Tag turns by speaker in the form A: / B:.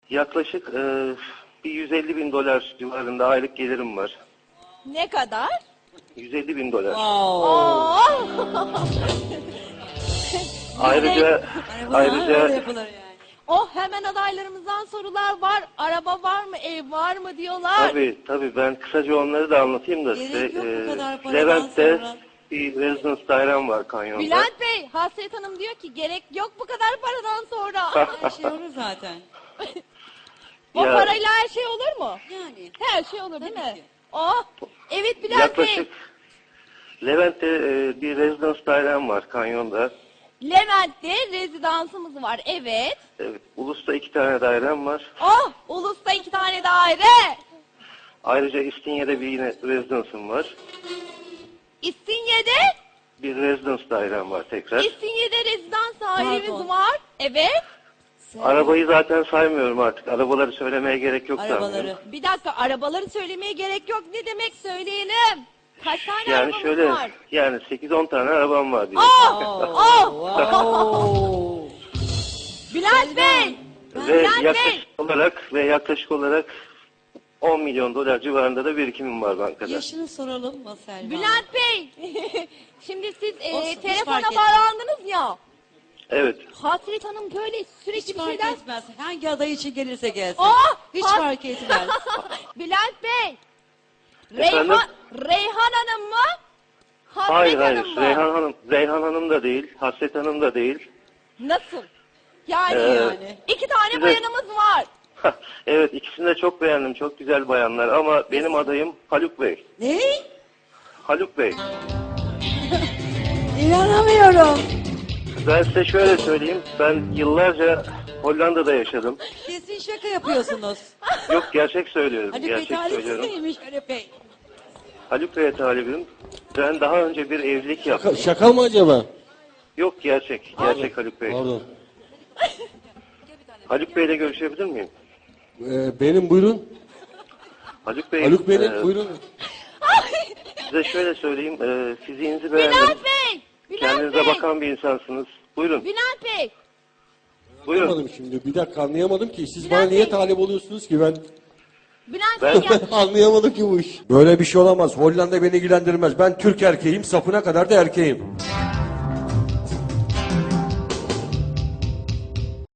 A: Yaklaşık bir 150 bin dolar civarında aylık gelirim var.
B: Ne kadar?
A: 150 bin dolar.
B: Oo.
A: Ayrıca
C: Öyle yapılır yani.
B: Oh, hemen adaylarımızdan sorular var. Araba var mı, ev var mı diyorlar.
A: tabii ben kısaca onları da anlatayım da
C: Gerek
A: size.
C: yok bu kadar paradan
A: Levent'te
C: sonra.
A: bir residence dairem var kanyonda.
B: Bülent Bey, Hasret Hanım diyor ki gerek yok bu kadar paradan sonra.
C: Her şey olur zaten.
B: O
A: Ya-
B: parayla her şey olur mu?
C: Yani.
B: Her şey olur değil
C: Tabii
B: mi?
C: ki.
B: Oh, evet Bülent
A: Yaklaşık
B: Bey.
A: Levent'te bir residence dairem var kanyonda.
B: Levent'te rezidansımız var, evet.
A: Evet, Ulus'ta 2 tane dairem var.
B: Oh, Ulus'ta 2 tane daire.
A: Ayrıca İstinye'de bir yine residence'ım var.
B: İstinye'de,
A: Bir residence dairem var tekrar.
B: İstinye'de rezidans dairemiz
C: Pardon.
B: var. Evet.
A: Arabayı zaten saymıyorum artık. Arabaları söylemeye gerek yok
C: Arabaları.
A: sanmıyorum.
B: Bir dakika, arabaları söylemeye gerek yok. Ne demek, söyleyelim. Kaç tane
A: Yani
B: arabamız
A: şöyle,
B: var?
A: yani 8-10 tane arabam var diye.
B: Oh!
C: Wow.
B: Bülent Bey!
A: Ve
B: Bülent Bey!
A: yaklaşık olarak 10 milyon dolar civarında da birikimim var bankada.
C: Yaşını soralım mı Selma?
B: Bülent Bey! Şimdi siz
C: Olsun, hiç
B: telefona
C: fark etmez.
B: bağlandınız ya.
A: Evet.
B: Hasret Hanım böyle sürekli
C: Hiç
B: bir
C: fark
B: şeyler...
C: etmez. Hangi aday için gelirse gelsin.
B: Oh!
C: Hiç
B: Has-
C: fark etmez.
B: Bülent Bey!
A: Efendim?
B: Reyhan Hanım mı? Hasret
A: Hayır
B: Hanım mı?
A: Reyhan Hanım da değil, Hasret Hanım da değil.
B: Nasıl? Yani,
C: yani.
B: 2 tane
A: size-
B: bayanımız var.
A: Evet, ikisini de çok beğendim. Çok güzel bayanlar ama benim adayım Haluk Bey.
C: Ne?
A: Haluk Bey.
C: İnanamıyorum.
A: Ben size şöyle söyleyeyim. Ben yıllarca Hollanda'da yaşadım.
C: Kesin şaka yapıyorsunuz.
A: Yok, gerçek söylüyorum.
C: Hani
A: Gerçek
C: betalisi
A: söylüyorum.
C: neymiş Haluk Bey?
A: Haluk Bey'e talibim. Ben daha önce bir evlilik yaptım.
D: Şaka mı acaba?
A: Yok, gerçek. Gerçek Haluk Bey.
D: Pardon.
A: Haluk Bey'le görüşebilir miyim?
D: Benim buyurun.
A: Haluk Bey,
D: Haluk Bey'in buyurun.
A: size şöyle söyleyeyim. Fiziğinizi beğendim.
B: Bülent Bey! Bülent
A: Kendinize
B: Bey!
A: bakan bir insansınız. Buyurun.
B: Bülent Bey!
A: Buyurun.
D: Anlamadım şimdi. Bir dakika anlayamadım ki. Siz
B: Bülent
D: bana niye
B: Bey.
D: talip oluyorsunuz ki ben?
B: Bülent Bey gel.
D: Anlayamadım ki bu iş. Böyle bir şey olamaz. Hollanda beni ilgilendirmez. Ben Türk erkeğim, sapına kadar da erkeğim.